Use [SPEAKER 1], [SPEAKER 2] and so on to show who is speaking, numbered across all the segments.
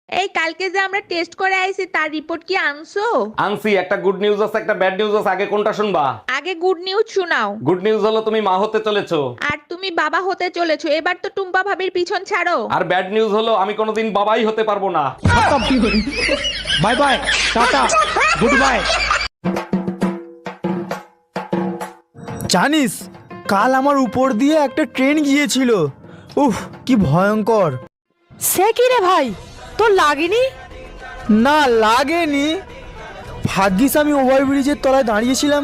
[SPEAKER 1] এই কালকে যে আমরা টেস্ট করে আইছি তার রিপোর্ট কি আনছো?
[SPEAKER 2] আনছি, একটা গুড নিউজ আছে একটা ব্যাড নিউজ আছে, আগে কোনটা শুনবা?
[SPEAKER 1] আগে গুড নিউজ শোনাও।
[SPEAKER 2] গুড নিউজ হলো তুমি মা হতে চলেছো।
[SPEAKER 1] আর তুমি বাবা হতে চলেছো, এবার তো টুম্পা ভাবির পিছন ছাড়ো।
[SPEAKER 2] আর ব্যাড নিউজ হলো আমি কোনোদিন বাবাই হতে পারবো না।
[SPEAKER 3] Bye bye, tata, goodbye. জানিস কাল আমার উপর দিয়ে একটা ট্রেন গিয়েছিল। উফ, কি ভয়ঙ্কর।
[SPEAKER 4] সে কি রে ভাই, তোর লাগেনি?
[SPEAKER 3] না লাগেনি, ভাগ্যিস আমি ওভারব্রিজের তলায় দাঁড়িয়েছিলাম।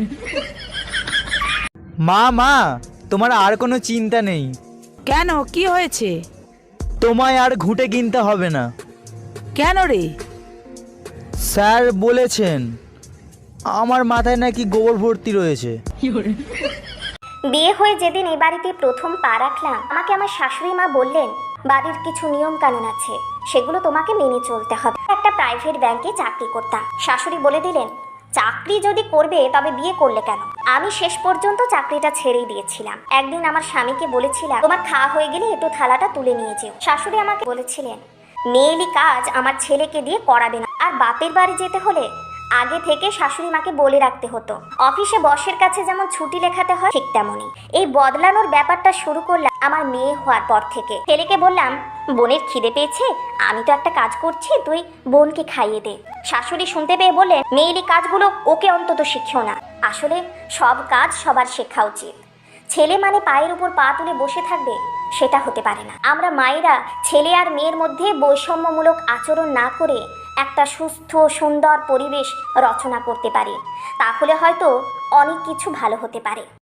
[SPEAKER 3] মা মা, তোমার আর কোনো চিন্তা নেই।
[SPEAKER 4] কেন, কি হয়েছে?
[SPEAKER 3] তোমায় আর ঘুঁটে কিনতে হবে না।
[SPEAKER 4] কেন রে?
[SPEAKER 3] স্যার বলেছেন আমার মাথায় নাকি গোবর ভর্তি রয়েছে।
[SPEAKER 5] বিয়ে হয়ে যেদিন এই বাড়িতে প্রথম পা রাখলাম, আমাকে আমার শাশুড়ি মা বললেন বাড়ির কিছু নিয়ম কানুন আছে, সেগুলো তোমাকে মেনে চলতে হবে। একটা প্রাইভেট ব্যাংকে চাকরি করতাম। শাশুড়ি বলে দিলেন চাকরি যদি করবে তবে বিয়ে করলে কেন। আমি শেষ পর্যন্ত চাকরিটা ছেড়েই দিয়েছিলাম। একদিন আমার স্বামীকে বলেছিলাম তোমার খাওয়া হয়ে গেলে একটু থালাটা তুলে নিয়ে যেও। শাশুড়ি আমাকে বলেছিলেন মেয়েলি কাজ আমার ছেলেকে দিয়ে করাবে না। আর বাপের বাড়ি যেতে হলে আগে থেকে শাশুড়ি মাকে বলে রাখতে হতো। অফিসে বসের কাছে যেমন ছুটি লেখাতে হয় ঠিক তেমনই এই বদলানোর ব্যাপারটা শুরু করলাম আমার মেয়ে হওয়ার পর থেকে। ছেলেকে বললাম বোনের খিদে পেয়েছে, আমি তো একটা কাজ করছি, তুই বোনকে খাইয়ে দে। শাশুড়ি শুনতে পেয়ে বললেন মেয়েলি কাজগুলো ওকে অন্তত শিখিও না। আসলে সব কাজ সবার শেখা উচিত। ছেলে মানে পায়ের উপর পা তুলে বসে থাকবে, সেটা হতে পারে না। আমরা মায়েরা ছেলে আর মেয়ের মধ্যে বৈষম্যমূলক আচরণ না করে একটা সুস্থ সুন্দর পরিবেশ রচনা করতে পারি, তাহলে হয়তো অনেক কিছু ভালো হতে পারে।